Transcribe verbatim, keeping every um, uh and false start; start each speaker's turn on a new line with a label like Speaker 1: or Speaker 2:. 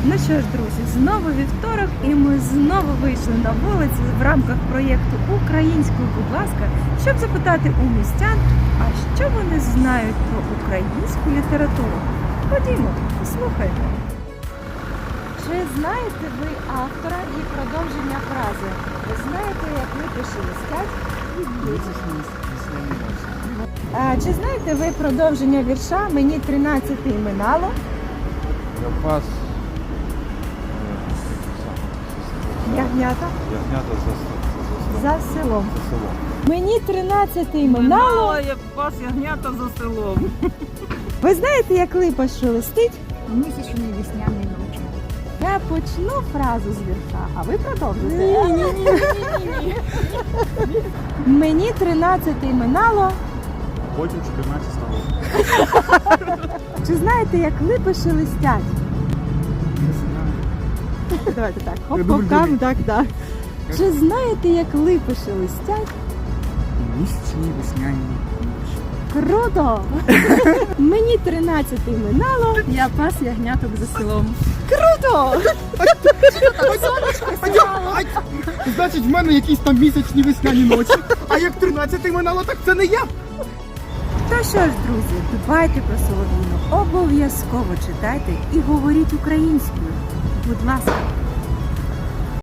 Speaker 1: Ну що ж, друзі, знову вівторок, і ми знову вийшли на вулицю в рамках проєкту «Українською, будь ласка», щоб запитати у містян, а що вони знають про українську літературу. Ходімо, послухайте. Чи знаєте ви автора і продовження фрази? Ви знаєте, як липи шелестять і б'ють? А чи знаєте ви продовження вірша «Мені тринадцяти минало»?
Speaker 2: Я пас.
Speaker 1: Ягнята
Speaker 2: Ягнята за, за, за,
Speaker 1: за селом.
Speaker 2: за селом.
Speaker 1: Мені тринадцяти минало.
Speaker 3: Я пас ягнята за селом.
Speaker 1: Ви знаєте, як липа шелестить?
Speaker 4: Місячні весняні ночі.
Speaker 1: Я почну фразу з вірша, а ви продовжите.
Speaker 4: Ні, ні, ні, ні, ні.
Speaker 1: Мені тринадцяти минало.
Speaker 2: Потім чотирнадцять стало.
Speaker 1: Чи знаєте, як липи шелестять? Давайте так. Хоп,
Speaker 2: Дубль,
Speaker 1: хоп, кам,
Speaker 2: дубль.
Speaker 1: так, так. Чи знаєте, як липи шелестять?
Speaker 4: Місячні весняні ночі.
Speaker 1: Круто! Мені тринадцяти минало.
Speaker 3: Я пас ягняток за селом.
Speaker 1: Круто!
Speaker 5: Значить, в мене якісь там місячні весняні ночі. А як тринадцяти минало, так це не я.
Speaker 1: То що ж, друзі, дбайте про Солов'їну, обов'язково читайте і говоріть українською. Будь ласка.